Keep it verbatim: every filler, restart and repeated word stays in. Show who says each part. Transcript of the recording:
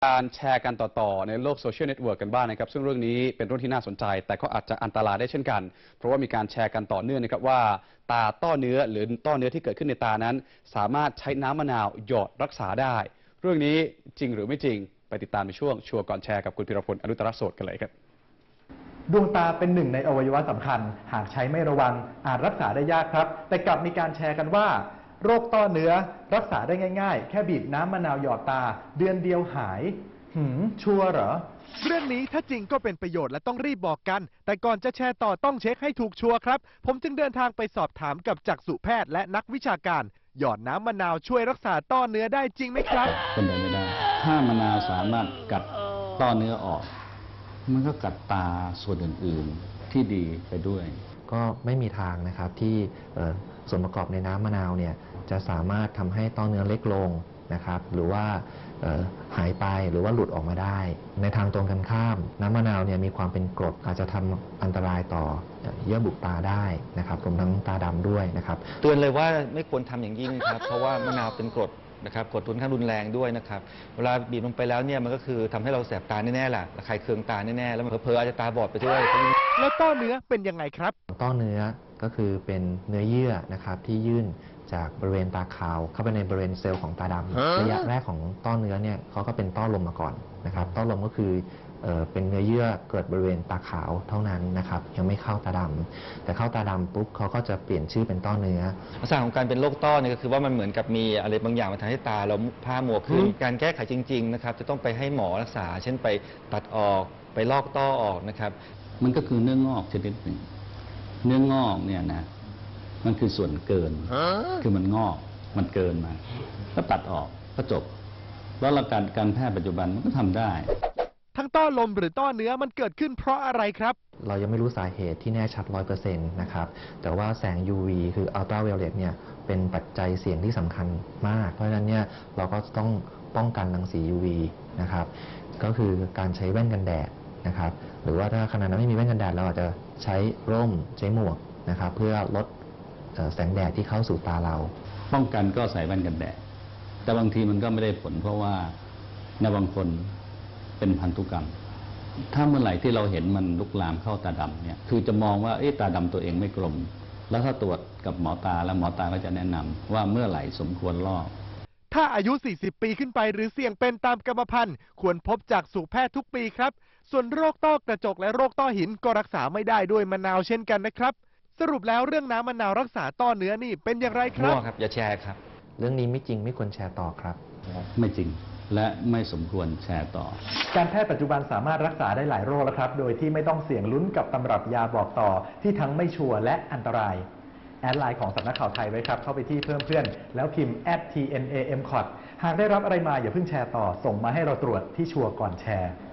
Speaker 1: การแชร์กันต่อๆในโลกโซเชียลเน็ตเวิร์กกันบ้างนะครับซึ่งเรื่องนี้เป็นเรื่องที่น่าสนใจแต่ก็อาจจะอันตรายได้เช่นกันเพราะว่ามีการแชร์กันต่อเนื่องนะครับว่าตาต้อเนื้อหรือต้อเนื้อที่เกิดขึ้นในตานั้นสามารถใช้น้ำมะนาวหยอดรักษาได้เรื่องนี้จริงหรือไม่จริงไปติดตามในช่วงชัวร์ก่อนแชร์กับคุณพิรพลอนุตตรโสดกันเลยครับ
Speaker 2: ดวงตาเป็นหนึ่งในอวัยวะสำคัญหากใช้ไม่ระวังอาจรักษาได้ยากครับแต่กลับมีการแชร์กันว่าโรคต้อเนื้อรักษาได้ง่ายๆแค่บีบน้ำมะนาวหยอดตาเดือนเดียวหายหืมชัวร์เหรอ
Speaker 3: เรื่องนี้ถ้าจริงก็เป็นประโยชน์และต้องรีบบอกกันแต่ก่อนจะแชร์ต่อต้องเช็คให้ถูกชัวร์ครับผมจึงเดินทางไปสอบถามกับจักษุแพทย์และนักวิชาการหยอดน้ำมะนาวช่วยรักษาต้อเนื้อได้จริงไหมครับ
Speaker 4: เป็นไปไม่ได้ถ้ามะนาวสามารถกัดต้อเนื้อออกมันก็กัดตาส่วนอื่นๆที่ดีไปด้วย
Speaker 5: ก็ไม่มีทางนะครับที่ส่วนประกอบในน้ำมะนาวเนี่ยจะสามารถทำให้ต้อเนื้อเล็กลงนะครับหรือว่าหายไปหรือว่าหลุดออกมาได้ในทางตรงกันข้ามน้ำมะนาวเนี่ยมีความเป็นกรดอาจจะทำอันตรายต่อเยื่อบุตาได้นะครับรวมทั้งตาดำด้วยนะครับ
Speaker 6: เตือนเลยว่าไม่ควรทำอย่างยิ่งครับเพราะว่ามะนาวเป็นกรดนะครับกรดค่อนข้างรุนแรงด้วยนะครับเวลาบีบลงไปแล้วเนี่ยมันก็คือทำให้เราแสบตาแน่ๆแหละระคายเคืองตาแน่ๆแล้วมันเผลอๆอาจจะตาบอดไปด้วย
Speaker 3: แล้วต้อเนื้อเป็นยังไงครับ
Speaker 5: ต้อเนื้อก็คือเป็นเนื้อเยื่อนะครับที่ยื่นจากบริเวณตาขาวเข้าไปในบริเวณเซลล์ของตาดำระยะแรกของต้อเนื้อเนี่ยเขาก็เป็นต้อลมมาก่อนนะครับต้อลมก็คือเอ่อเป็นเนื้อเยื่อเกิดบริเวณตาขาวเท่านั้นนะครับยังไม่เข้าตาดำแต่เข้าตาดำปุ๊บเขาก็จะเปลี่ยนชื่อเป็นต้อเนื้อ
Speaker 6: ลักษณะของการเป็นโรคต้อเนี่ยก็คือว่ามันเหมือนกับมีอะไรบางอย่างมาทำให้ตาเราผ้ามัวขึ้นการแก้ไขจริงๆนะครับจะต้องไปให้หมอรักษาเช่นไปตัดออกไปลอกต้อออกนะครับ
Speaker 4: มันก็คือเนื้องอกชนิดหนึ่งเนื้องอกเนี่ยนะมันคือส่วนเกินคือมันงอกมันเกินมาก็ตัดออกก็จบแล้วหลักการการแพทย์ปัจจุบันมันก็ทำได้
Speaker 3: ทั้งต้อลมหรือต้อเนื้อมันเกิดขึ้นเพราะอะไรครับ
Speaker 5: เรายังไม่รู้สาเหตุที่แน่ชัด ร้อยเปอร์เซ็นต์ นะครับแต่ว่าแสง ยู วี คืออัลตราไวโอเลตเนี่ยเป็นปัจจัยเสี่ยงที่สำคัญมากเพราะฉะนั้นเนี่ยเราก็ต้องป้องกันรังสี ยู วี นะครับก็คือการใช้แว่นกันแดดนะครับหรือว่าถ้าขณะนั้นไม่มีแว่นกันแดดเราอาจจะใช้ร่มใช้หมวกนะครับเพื่อลดแสงแดดที่เข้าสู่ตาเรา
Speaker 4: ป้องกันก็ใส่แว่นกันแดดแต่บางทีมันก็ไม่ได้ผลเพราะว่าในบางคนเป็นพันธุกรรมถ้าเมื่อไหร่ที่เราเห็นมันลุกลามเข้าตาดำเนี่ยคือจะมองว่าเอ๊ะตาดำตัวเองไม่กลมแล้วถ้าตรวจกับหมอตาแล้วหมอตาก็จะแนะนำว่าเมื่อไหร่สมควรลอก
Speaker 3: ถ้าอายุ สี่สิบ ปีขึ้นไปหรือเสี่ยงเป็นตามกรรมพันธุ์ควรพบจากจักษุแพทย์ทุกปีครับส่วนโรคต้อกระจกและโรคต้อหินก็รักษาไม่ได้ด้วยมะนาวเช่นกันนะครับสรุปแล้วเรื่องน้ำมะนาวรักษาต้อเนื้อนี่เป็นอย่างไรครับ
Speaker 6: มั่วครับอย่าแชร์ครับ
Speaker 5: เรื่องนี้ไม่จริงไม่ควรแชร์ต่อครับ
Speaker 4: ไม่จริงและไม่สมควรแชร์ต่อ
Speaker 2: การแพทย์ปัจจุบันสามารถรักษาได้หลายโรคแล้วครับโดยที่ไม่ต้องเสี่ยงลุ้นกับตำรับยาบอกต่อที่ทั้งไม่ชัวร์และอันตรายแอดไลน์ของสำนักข่าวไทยไว้ครับเข้าไปที่เพิ่มเพื่อนแล้วพิมพ์ แอท ที เอ็น เอ เอ็ม ซี โอ ที หากได้รับอะไรมาอย่าเพิ่งแชร์ต่อส่งมาให้เราตรวจที่ชัวร์ก่อนแชร์